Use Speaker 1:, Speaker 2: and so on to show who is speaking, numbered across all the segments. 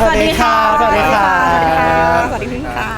Speaker 1: สวัสดีค่ะสวัสดีค่ะ
Speaker 2: สวัสดีค่ะ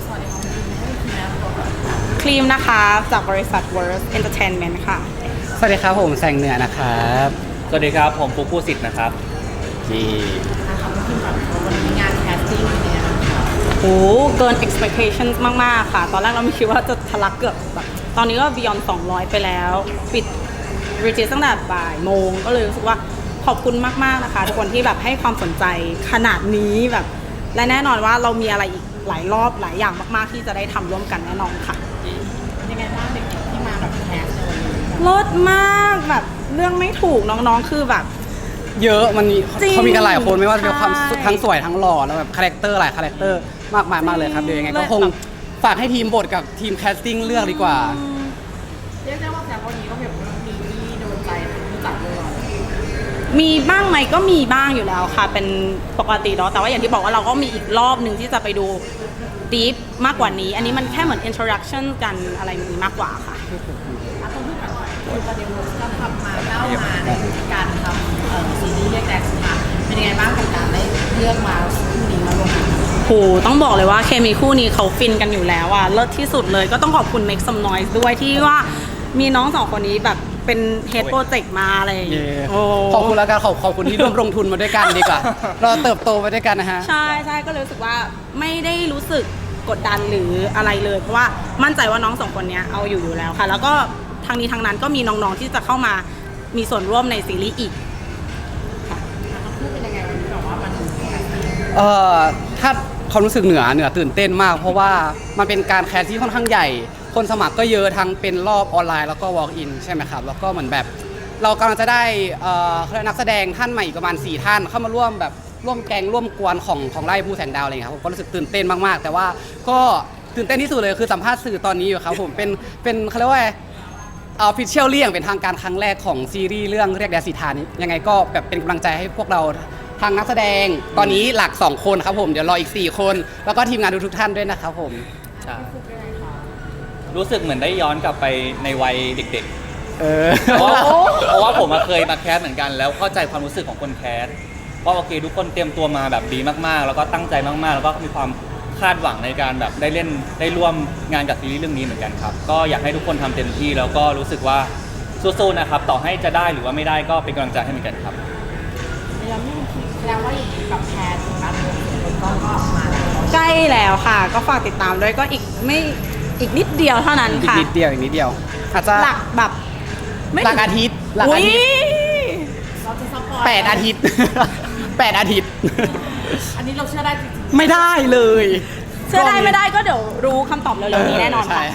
Speaker 2: ครีมนะคะจากบริษัท Worth Entertainment ค่ะ
Speaker 1: สวัสดีครับผมแสงเหนือนะครับ
Speaker 3: สวัสดีครับผมฟุกผู้สิทธิ์นะครับ
Speaker 1: นี่
Speaker 4: ค่ะพี่แบบวันนี้งานแคสติ้งเป็นยังไงบ้างคะ
Speaker 2: โอ้เกิน expectations มากๆค่ะตอนแรกเราไม่คิดว่าจะทะลักเกือบแบบตอนนี้ก็ beyond 200 ไปแล้วปิด register ตั้งแต่บ่ายโมงก็เลยรู้สึกว่าขอบคุณมากๆนะคะทุกคนที่แบบให้ความสนใจขนาดนี้แบบและแน่นอนว่าเรามีอะไรอีกหลายรอบหลายอย่างมากๆที่จะได้ทำร่วมกันแน่นอนค่ะ
Speaker 4: ยังไงบ้างเด็กๆที่มาแบบแคสในวันนี้
Speaker 2: ลดมากแบบเรื่องไม่ถูกน้องๆคือแบบ
Speaker 1: เยอะมันมี
Speaker 2: จริง
Speaker 1: เขามีกันหลายคนไม่ว่าจะเป็นความ
Speaker 2: ใช่
Speaker 1: ทั้งสวยทั้งหล่อแล้วแบบคาแรคเตอร์หลายคาแรคเตอร์มากมายมากเลยครับเดี๋ยวยังไงก็คงฝากให้ทีมบทกับทีมแคสติ้งเลือกดีกว่า
Speaker 4: เรียกได้ว่าแต่วันนี้ก็แบบมีที่โดนใจทั้งผู้จัดเลยเหรอ
Speaker 2: มีบ้างไหมก็มีบ้างอยู่แล้วค่ะเป็นปกติเนาะแต่ว่าอย่างที่บอกว่าเราก็มีอีกรอบหนึ่งที่จะไปดู deep มากกว่านี้อันนี้มันแค่เหมือน introduction กันอะไรนี้มากกว่าค่ะ
Speaker 4: ต้องพูดกันหน่อยคือประเด็นก็ทำมาเล่ามาในการทำซีรีส์เรียกแดกสตาร์เป็นยังไงบ้างกับการได้เลือกมาคู่นี้มาร่วมงาน
Speaker 2: โหต้องบอกเลยว่าเคมีคู่นี้เขาฟินกันอยู่แล้วอ่ะเลิศที่สุดเลยก็ต้องขอบคุณ Make Some Noise ด้วยที่ว่ามีน้องสองคนนี้แบบเป็น head project มาอะไรอย่างเงี้ย
Speaker 1: ขอบคุณแล้วกันขอบคุณที่ร่วมลงทุนมาด้วยกันดีกว่า เราเติบโตมาด้วยกันนะฮะ
Speaker 2: ใช่ใช่ก็เลยรู้สึกว่าไม่ได้รู้สึกกดดันหรืออะไรเลยเพราะว่ามั่นใจว่าน้องสองคนนี้เอาอยู่แล้วค่ะแล้วก็ทางนี้ทางนั้นก็มีน้องๆที่จะเข้ามามีส่วนร่วมในซีรีส์อีก
Speaker 4: พูดเป็นยังไงวันนี้แบบว่ามัน
Speaker 1: ถ้าความรู้สึกเหนือตื่นเต้นมากเพราะว่ามันเป็นการแคสที่ค่อนข้างใหญ่คนสมัครก็เยอะทั้งเป็นรอบออนไลน์แล้วก็ walk in ใช่ไหมครับแล้วก็เหมือนแบบเรากำลังจะได้นักแสดงท่านใหม่อีกประมาณ4ท่านเข้ามาร่วมแบบร่วมแกงร่วมกวนของไล่บูแสงดาวอะไรครับผมก็รู้สึกตื่นเต้นมากๆแต่ว่าก็ตื่นเต้นที่สุดเลยคือสัมภาษณ์สื่อตอนนี้อยู่ครับผมเป็นเขาเรียกว่าofficial เรื่องเป็นทางการครั้งแรกของซีรีส์เรื่องเรียกแดสิทานี้ยังไงก็แบบเป็นกำลังใจให้พวกเราทางนักแสดงตอนนี้หลัก2คนครับผมเดี๋ยวรออีก4คนแล้วก็ทีมงานทุกท่านด้วยนะครับผม
Speaker 3: ใช่รู้สึกเหมือนได้ย้อนกลับไปในวัยเด็กๆเพราะว่าผมเคยมาแคสเหมือนกันแล้วเข้าใจความรู้สึกของคนแคสเพราะโอเคทุกคนเตรียมตัวมาแบบดีมากๆแล้วก็ตั้งใจมากๆแล้วก็มีความคาดหวังในการแบบได้เล่นได้ร่วมงานกับซีรีส์เรื่องนี้เหมือนกันครับก็อยากให้ทุกคนทำเต็มที่แล้วก็รู้สึกว่าสู้ๆนะครับต่อให้จะได้หรือว่าไม่ได้ก็เป็นกำลังใจให้เหมือนกันครับ
Speaker 4: แล้วว่าอย่างนี้กับแพนการลงทุนก็มาแล้ว
Speaker 2: ใกล้แล้วค่ะก็ฝากติดตามด้วยก็อีกนิดเดียวเท่านั้นค่ะ
Speaker 1: อีกนิดเดียวอาจจะ
Speaker 2: หลักแบบ
Speaker 1: หลักอาทิตย์เรา
Speaker 4: จะสปอย
Speaker 1: 8 อาทิตย์8 อาทิตย์
Speaker 4: อันนี้เราเชื่อได้จริง
Speaker 1: ไม่ได้เลย
Speaker 2: เชื่อได้ไม่ได้ก็เดี๋ยวรู้คำตอบเร็วๆนี้แน่นอนค่ะ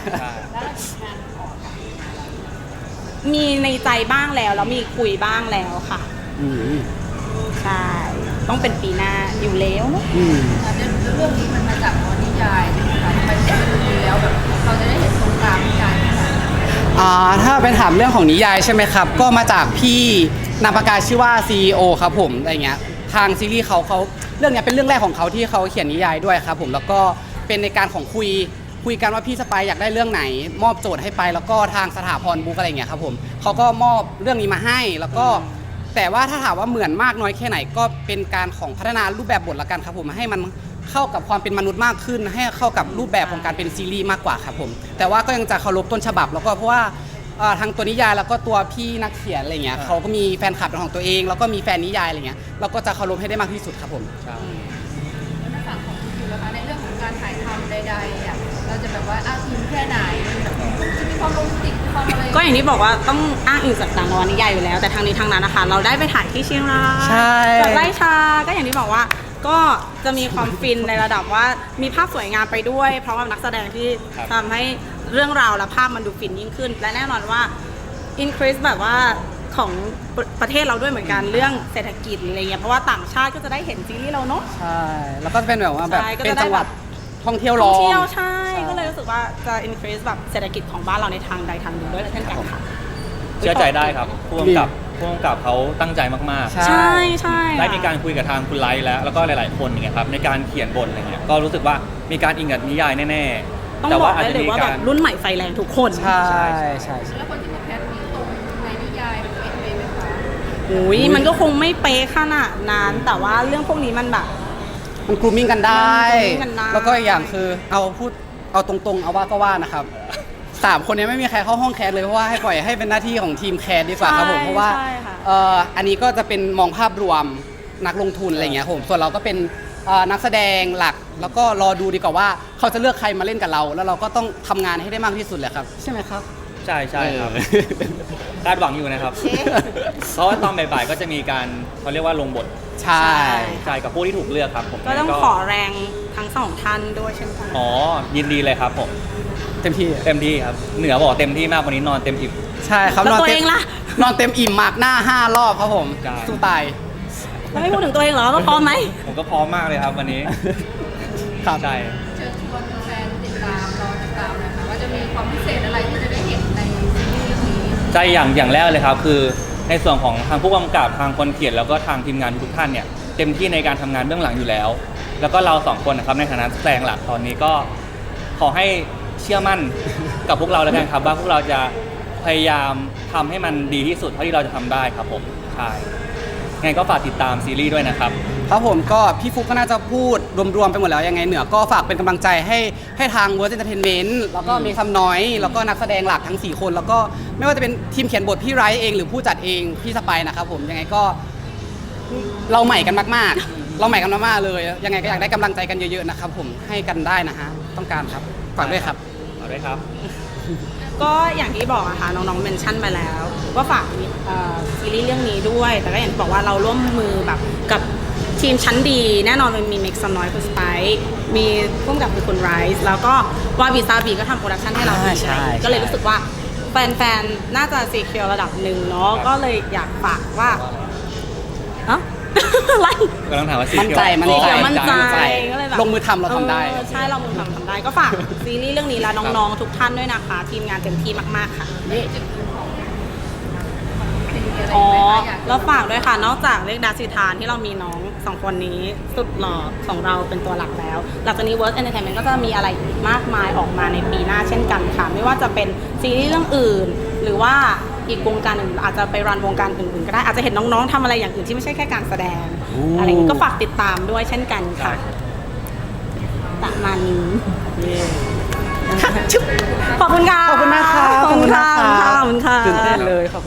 Speaker 2: มีในใจบ้างแล้วมีคุยบ้างแล้วค่ะใช่ต้องเป็นปีหน้าอยู่แล้ว
Speaker 4: เรื่องนี้มันมาจากนิยายนะคะทำไมถึงเป็นเรื่องนี้แล้วแบบเราจะได้เห็นตรงกลางนิยาย
Speaker 1: ถ้าเป็นถามเรื่องของนิยายใช่ไหมครับก็มาจากพี่นามปากกาชื่อว่า CEO ครับผมอะไรเงี้ยทางซีรีส์เขาเรื่องนี้เป็นเรื่องแรกของเขาที่เขาเขียนนิยายด้วยครับผมแล้วก็เป็นในการของคุยกันว่าพี่สไปอยากได้เรื่องไหนมอบโจทย์ให้ไปแล้วก็ทางสถาพรบุ๊กอะไรเงี้ยครับผมเขาก็มอบเรื่องนี้มาให้แล้วก็แต่ว่าถ้าถามว่าเหมือนมากน้อยแค่ไหนก็เป็นการของพัฒนารูปแบบบทละกันครับผมให้มันเข้ากับความเป็นมนุษย์มากขึ้นให้เข้ากับรูปแบบของการเป็นซีรีส์มากกว่าครับผมแต่ว่าก็ยังจะเคารพต้นฉบับแล้วก็เพราะว่าทางตัวนิยายแล้วก็ตัวพี่นักเขียนอะไรเงี้ยเขาก็มีแฟนคลับเป็นของตัวเองแล้วก็มีแฟนนิยายอะไรเงี้ยเราก็จะเคารพให้ได้มากที่สุดครับผม
Speaker 4: ในฝั่งของคุณอยู่นะคะในเรื่องของการถ่ายทำใดๆเราจะแบบว่าทีมแค่ไหนจะมีความโรแมนติกความอะไร
Speaker 2: ก็อย่างที่บอกว่าต้องอ้างอิงจากนวนิยายอยู่แล้วแต่ทางนี้ทางนั้นนะคะเราได้ไปถ่ายที่เชียงราย
Speaker 1: ใช่
Speaker 2: กับไร่ชาก็อย่างที่บอกว่าก็จะมีความฟินในระดับว่ามีภาพสวยงามไปด้วยเพราะว่านักแสดงที่ทำให้เรื่องราวและภาพมันดูฟินยิ่งขึ้นและแน่นอนว่า increase แบบว่าของประเทศเราด้วยเหมือนกันเรื่องเศรษฐกิจอะไรเงี้ยเพราะว่าต่างชาติก็จะได้เห็นซีรีส์เราเนาะ
Speaker 1: ใช่แล้วก็จะเป็นแบบว่าแบบเป็นจังหวัดท่องเที่ยวรอง
Speaker 2: ใช่ก็เลยรู้สึกว่าจะ increase แบบเศรษฐกิจของบ้านเราในทางใดทางหนึ่งด้วยเช่นกันค่ะ
Speaker 3: เชื่อใจได้ครับผู้กำกับเขาตั้งใจมาก
Speaker 2: ๆใช่
Speaker 3: ได้มีการคุยกับทางคุณไลท์แล้วก็หลายๆคนอย่างเงี้ยครับในการเขียนบทอะไรเงี้ยก็รู้สึกว่ามีการอิงกับนิยายแน่ๆ
Speaker 2: ต้องบอกได้เลยว่าแบบรุ่นใหม่ไฟแรงทุกคน
Speaker 1: ใช่
Speaker 4: แล้วคนที่มาแคสนี้ตรงในนิยายเป็นไหมคะ
Speaker 2: มันก็คงไม่เป๊ะขนาดนั้นแต่ว่าเรื่องพวกนี้มันแบบ
Speaker 1: มันกรูมมิ่งกันได้
Speaker 2: มัน grooming กันได้
Speaker 1: แล้วก็อีกอย่างคือเอาตรงๆเอาว่าก็ว่านะครับ3 คนนี้ไม่มีใครเข้าห้องแคสเลยเพราะว่าให้ปล่อยให้เป็นหน้าที่ของทีมแคสดีกว่าครับผมเพราะว่า
Speaker 2: ใช่ค่ะ
Speaker 1: อันนี้ก็จะเป็นมองภาพรวมนักลงทุนอะไรอย่างเงี้ยผมส่วนเราก็เป็นนักแสดงหลักแล้วก็รอดูดีกว่าว่าเขาจะเลือกใครมาเล่นกับเรา แล้วเราก็ต้องทำงานให้ได้มากที่สุดแหละครับใช่ไหมครับ
Speaker 3: ใช่ครับคาดหวังอยู่นะครับ เพราะว่าตอนบ่ายๆก็จะมีการเขาเรียกว่าลงบท
Speaker 1: ใช่
Speaker 3: ใช่กับผู้ที่ถูกเลือกครับผม
Speaker 2: ก็ต้องขอแรงทั้งสองท่านด้วยเช่นกัน
Speaker 3: อ๋อยินดีเลยครับผม
Speaker 1: เต็มที่
Speaker 3: เต็มที่ครับเหนือบอกเต็มที่มากวันนี้นอนเต็มอิ่ม
Speaker 1: ใช่ครับ
Speaker 2: แล้ว
Speaker 1: นอน
Speaker 2: ตัว
Speaker 1: เต็
Speaker 2: เอ
Speaker 1: ม
Speaker 2: งล่ะ
Speaker 1: นอนเต็มอิ่มมากหน้า5 รอบครับผม
Speaker 3: ใช่
Speaker 1: สู้ตาย
Speaker 2: แล้วไม่พูดถึงตัวเองเหรอว่าพร้อมไหม
Speaker 3: ผมก็พร้อมมากเลยครับวันนี้
Speaker 1: ครับ
Speaker 3: ใช่
Speaker 4: เชิญชวนแฟนติดตามรอติดตามนะคะว่าจะมีความพิเศษอะไรที่จะได้เห็นในซีรีส์เรื่องนี้
Speaker 3: ใจอย่างแรกเลยครับคือในส่วนของทางผู้กำกับทางคนเขียนแล้วก็ทางทีมงานทุกท่านเนี่ยเต็มที่ในการทำงานเบื้องหลังอยู่แล้ว แล้วก็เรา2 คนนะครับในฐานะนักแสดงหลักตอนนี้ก็ขอให้เชื่อมั่น กับพวกเราแล้วกันครับว่าพวกเราจะพยายามทำให้มันดีที่สุดเท่าที่เราจะทำได้ครับผมใช่ไงก็ฝากติดตามซีรีส์ด้วยนะครับ
Speaker 1: ครับผมก็พี่ฟุกก็น่าจะพูดรวมๆไปหมดแล้วยังไงเหนือก็ฝากเป็นกำลังใจให้ทาง World Entertainment แล้วก็มีคำน้อยแล้วก็นักแสดงหลักทั้ง 4 คน แล้วก็ไม่ว่าจะเป็นทีมเขียนบทพี่ไรท์เองหรือผู้จัดเองพี่สไปร์นะครับผมยังไงก็เราใหม่กันมากๆ เราใหม่กันมากๆเลย ยังไงก็อยากได้กำลังใจกันเยอะๆนะครับผมให้กันได้นะฮะต้องการครับฝากด้วยครับ
Speaker 3: เอาด้วยครับ
Speaker 2: ก็อย่างที่บอกอะค่ะน้องๆเมนชั่นไปแล้วว่าฝากซีรีส์เรื่องนี้ด้วย แต่ก็อย่างที่บอกว่าเราร่วมมือแบบกับทีมชั้นดี แน่นอนมันมีเม็กซ์น้อยคุณสไปซ์มีร่วมกับคุณไรซ์แล้วก็วาบิซาบีก็ทำโปรดักชันให้เราดี
Speaker 1: ใช่
Speaker 2: ก็เลยรู้สึกว่าแฟนๆน่าจะซีเคียวระดับหนึ่งเนาะก็เลยอยากฝากว่าเอ้า อะไร
Speaker 3: ก็ต้องถามว่าซี
Speaker 1: มั่นใจ
Speaker 3: เขียว
Speaker 2: มั่นใจ
Speaker 1: มั่นใจ
Speaker 2: ก็เลยแบบ
Speaker 1: ลงมือทำเราทำได้
Speaker 2: ใช่เรามือทำได้ก็ฝากซีรีส์เรื่องนี้และน้องๆทุกท่านด้วยนะคะ ทีมงานเต็มที่มากๆค่ะอ๋อแล้วฝากด้วยค่ะ นอกจากเรียกดาสิทานที่เรามีน้อง2 คนนี้สุดหล่อของเราเป็นตัวหลักแล้ว หลังจากนี้ World Entertainment ก็จะมีอะไรอีกมากมายออกมาในปีหน้าเช่นกันค่ะ ไม่ว่าจะเป็นซีรีส์เรื่องอื่น หรือว่าอีกวงการอื่นอาจจะไปรันวงการอื่นๆก็ได้อาจจะเห็นน้องๆทำอะไรอย่างอื่นที่ไม่ใช่แค่การแสดงอะไรอย่างนี้ก็ฝากติดตามด้วยเช่นกันค่ะประมาณนี้ขอบคุณค่ะ
Speaker 1: ขอบคุณมากครับ
Speaker 2: ขอบคุณค่ะขอบคุณค่ะ
Speaker 1: ตื่นเต้นเลยครับ